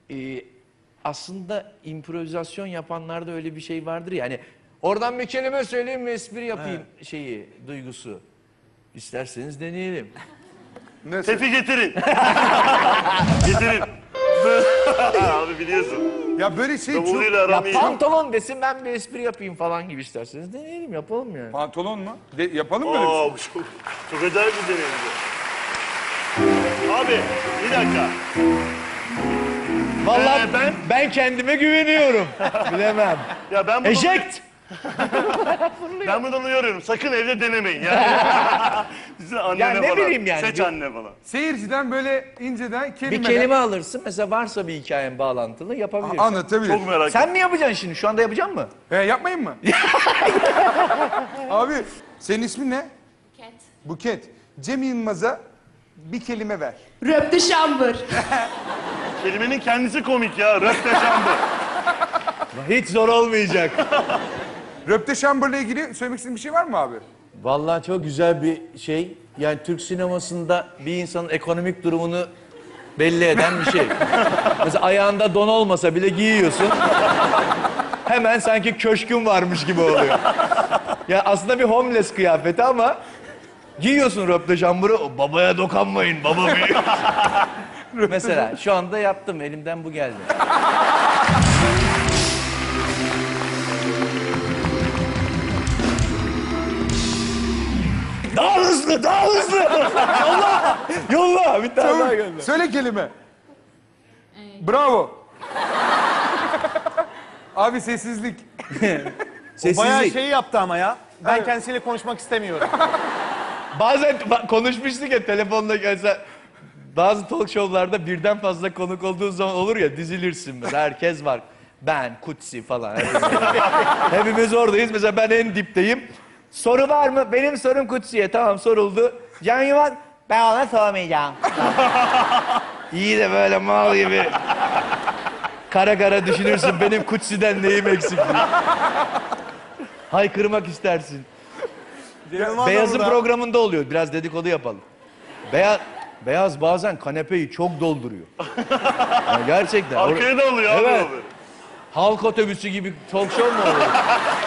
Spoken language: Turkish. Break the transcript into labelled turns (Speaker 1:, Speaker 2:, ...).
Speaker 1: aslında improvizasyon yapanlarda öyle bir şey vardır ya. Hani oradan bir kelime söyleyeyim mi, espri yapayım duygusu. İsterseniz deneyelim.
Speaker 2: Tefi getirin. Getirin. Abi biliyorsun.
Speaker 3: Ya böyle şey çok...
Speaker 2: Davuluyla aram iyi.
Speaker 1: Pantolon desin, ben bir espri yapayım falan gibi isterseniz deneyelim, yapalım yani.
Speaker 3: Pantolon mu? Yapalım mı böyle bir şey?
Speaker 2: Bu çok acayip bir deneyimdi. Abi bir dakika.
Speaker 1: Vallahi ben kendime güveniyorum. Bilemem.
Speaker 2: Ya ben bunu...
Speaker 1: Eject!
Speaker 2: Ben bundan uyarıyorum. Sakın evde denemeyin. Yani. Size annene
Speaker 1: Ya ne
Speaker 2: falan.
Speaker 1: bileyim yani.
Speaker 2: Seç anne falan.
Speaker 3: Seyirciden böyle inceden kelimeler...
Speaker 1: Bir kelime alırsın, mesela varsa bir hikayen bağlantılı yapabilirsin.
Speaker 3: Anlatabilir.
Speaker 2: Çok merak ettim.
Speaker 1: Sen mi yapacaksın şimdi? Şu anda yapacak mı?
Speaker 3: Yapmayın mı? Abi senin ismin ne?
Speaker 4: Buket.
Speaker 3: Buket. Cem Yılmaz'a bir kelime ver.
Speaker 4: Röpte şambır.
Speaker 2: Kelimenin kendisi komik ya. Röpteşambı.
Speaker 1: Hiç zor olmayacak.
Speaker 3: Röpteşambır'la ilgili söylemek istediğin bir şey var mı abi?
Speaker 1: Vallahi çok güzel bir şey. Yani Türk sinemasında bir insanın ekonomik durumunu belli eden bir şey. Mesela ayağında don olmasa bile giyiyorsun. Hemen sanki köşkün varmış gibi oluyor. Ya aslında bir homeless kıyafeti ama giyiyorsun röpteşambırı. Babaya dokunmayın, baba büyük. Mesela şu anda yaptım, elimden bu geldi. Daha hızlı, daha hızlı. Yolla, yolla. Bir tane daha gönder.
Speaker 3: Söyle kelime. Bravo. Abi sessizlik.
Speaker 5: Bayağı
Speaker 1: Sessizlik.
Speaker 5: şey yaptı ama ya. Ben kendisiyle konuşmak istemiyorum.
Speaker 1: Bazen konuşmuştuk ya telefonla gelse. Bazı talk show'larda birden fazla konuk olduğu zaman olur ya, dizilirsin mesela, herkes var. Ben, Kutsi falan. Hepimiz oradayız. Mesela ben en dipteyim. Soru var mı? Benim sorum Kutsi'ye. Tamam, soruldu. Can Yuvan, ben ona sormayacağım. İyi de böyle mal gibi. Kara kara düşünürsün. Benim Kutsi'den neyim eksik diye. Haykırmak istersin. Beyaz'ın programında oluyor. Biraz dedikodu yapalım. Beyaz bazen kanepeyi çok dolduruyor. Yani gerçekten.
Speaker 2: Arkaya da oluyor abi.
Speaker 1: Evet.
Speaker 2: o böyle.
Speaker 1: Halk otobüsü gibi talk show mu oluyor?